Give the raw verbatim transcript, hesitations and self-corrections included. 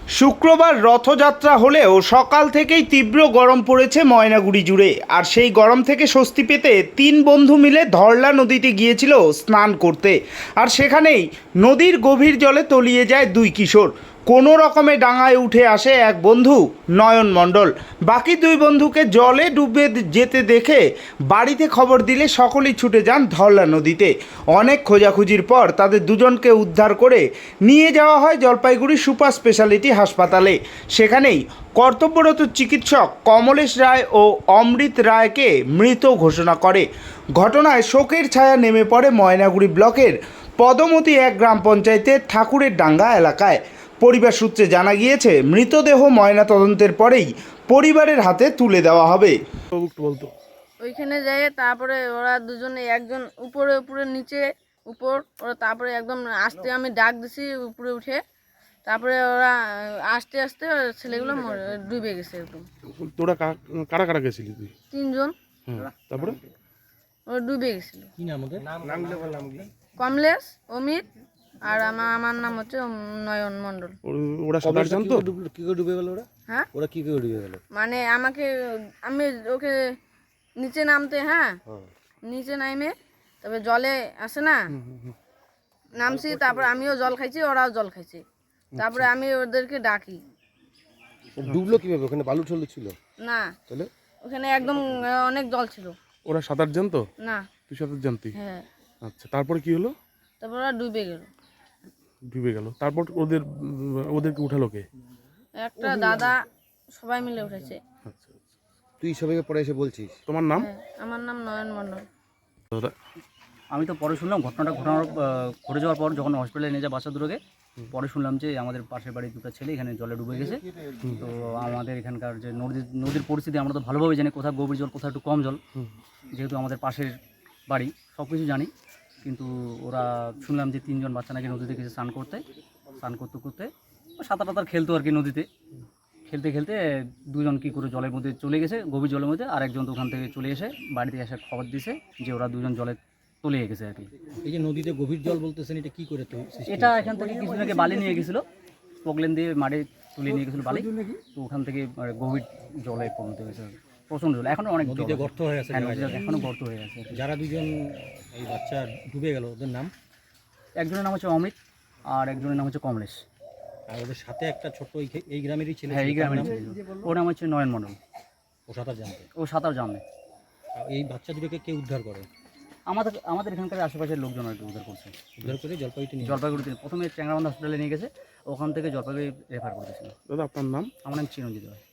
শুক্রবার রথযাত্রা হলেও সকাল থেকেই তীব্র গরম পড়েছে ময়নাগুড়ি জুড়ে। আর সেই গরম থেকে স্বস্তি পেতে তিন বন্ধু মিলে ধরলা নদীতে গিয়েছিল স্নান করতে। আর সেখানেই নদীর গভীর জলে তলিয়ে যায় দুই কিশোর। কোনো রকমে ডাঙায় উঠে আসে এক বন্ধু নয়ন মণ্ডল। বাকি দুই বন্ধুকে জলে ডুবে যেতে দেখে বাড়িতে খবর দিলে সকলেই ছুটে যান ধরলা নদীতে। অনেক খোঁজাখুঁজির পর তাদের দুজনকে উদ্ধার করে নিয়ে যাওয়া হয় জলপাইগুড়ি সুপার স্পেশালিটি হাসপাতালে। সেখানেই কর্তব্যরত চিকিৎসক কমলেশ রায় ও অমৃত রায়কে মৃত ঘোষণা করে। ঘটনায় শোকের ছায়া নেমে পড়ে ময়নাগুড়ি ব্লকের পদমতি এক গ্রাম পঞ্চায়েতের ঠাকুরের ডাঙ্গা এলাকায়। পরিবার সূত্রে জানা গিয়েছে মৃতদেহ ময়না তদন্তের পরেই পরিবারের হাতে তুলে দেওয়া হবে। ওইখানে যাই, তারপরে ওরা দুজনে একজন উপরে উপরে নিচে উপর ওরা, তারপরে একদম আস্তে আমি ডাক দিছি উপরে উঠে, তারপরে ওরা আস্তে আস্তে ছেলেগুলো ডুবে গেছে একদম। তোরা কারা কারা গেছিলি তুই? তিনজন। তারপরে ওরা ডুবে গেছিল। কি নাম ওদের? কমলেশ, অমিত আর আমার আমার নাম হচ্ছে নয়ন মণ্ডল। ওরা সাঁতার জানতো? কি করে ডুবে গেল ওরা? হ্যাঁ, ওরা কি করে ডুবে গেল? মানে আমাকে আমি ওকে নিচে নামতে, হ্যাঁ নিচে নামে তবে জলে আসে না, নামছি, তারপর আমিও জল খাইছি, ওরাও জল খাইছে, তারপরে আমি ওদেরকে ডাকি। ডুবলো কিভাবে? ওখানে বালু ঠল ছিল না, তাহলে ওখানে একদম অনেক জল ছিল। ওরা সাঁতার জানতো? না। তুই সাঁতার জানতি? হ্যাঁ। আচ্ছা, তারপরে কি হলো? তারপর ওরা ডুবে গেল। ডুবে গেল, তারপর ওদের ওদেরকে উঠালো কে? একটা দাদা, সবাই মিলে উঠেছে। আচ্ছা, তুই সবাইকে পরে এসে বলছিস? তোমার নাম? হ্যাঁ, আমার নাম নয়ন মণ্ডল। আমি তো পরে শুনলাম ঘটনাটা ঘটনার ঘটে যাওয়ার পর, যখন হসপিটালে নিয়ে যায় বাচ্চা দুটোকে, পরে শুনলাম যে আমাদের পাশের বাড়ির দুটো ছেলে এখানে জলে ডুবে গেছে। তো আমাদের এখানকার যে নদীর নদীর পরিস্থিতি আমরা তো ভালোভাবে জানি, কোথাও গভীর জল, কোথাও একটু কম জল, যেহেতু আমাদের পাশের বাড়ি, সব কিছু জানি। কিন্তু ওরা শুনলাম যে তিনজন বাচ্চা নাকি নদীতে গেছে স্নান করতে। স্নান করতে করতে সাঁতার টাতার খেলতো আর কি নদীতে। খেলতে খেলতে দুজন কী করে জলের মধ্যে চলে গেছে, গভীর জলের মধ্যে। আর একজন তো ওখান থেকে চলে এসে বাড়িতে এসে খবর দিয়েছে যে ওরা দুজন জলে তলিয়ে গেছে আর কি। এই যে নদীতে গভীর জল বলতেছেন, এটা কি করে? তো এটা এখান থেকে কিছুদিন আগে বালি নিয়ে গেছিলো, প্রবলেম দিয়ে মাঠে তুলে নিয়ে গেছিলো বালি, তো ওখান থেকে গভীর জলে পরিণত হয়েছে, প্রচণ্ড জল। এখনও অনেক নদীতে গর্ত হয়ে আছে, এখনও গর্ত হয়ে আছে। যারা দুজন এই বাচ্চা ডুবে গেল ওদের নাম? একজনের নাম হচ্ছে অমিত আর একজনের নাম হচ্ছে কমলেশ। আর ওদের সাথে একটা ছোট্ট এই গ্রামেরই ছিল? হ্যাঁ, এই গ্রামের ছিল। ওর নাম হচ্ছে নয়ন মণ্ডল। ও সাঁতার জানতে? ও সাঁতার জানে। এই বাচ্চা দুটোকে কে উদ্ধার করে? আমাদের আমাদের এখানকার আশেপাশের লোকজন আর কি উদ্ধার করছে। উদ্ধার করে জলপাইগুড়ি নিয়ে জলপাইগুড়িতে প্রথমে চ্যাংরাবান্ধা হসপিটালে নিয়ে গেছে, ওখান থেকে জলপাইগুড়ি রেফার করেছিল। দাদা আপনার নাম? আমার নাম চিরঞ্জিত রায়।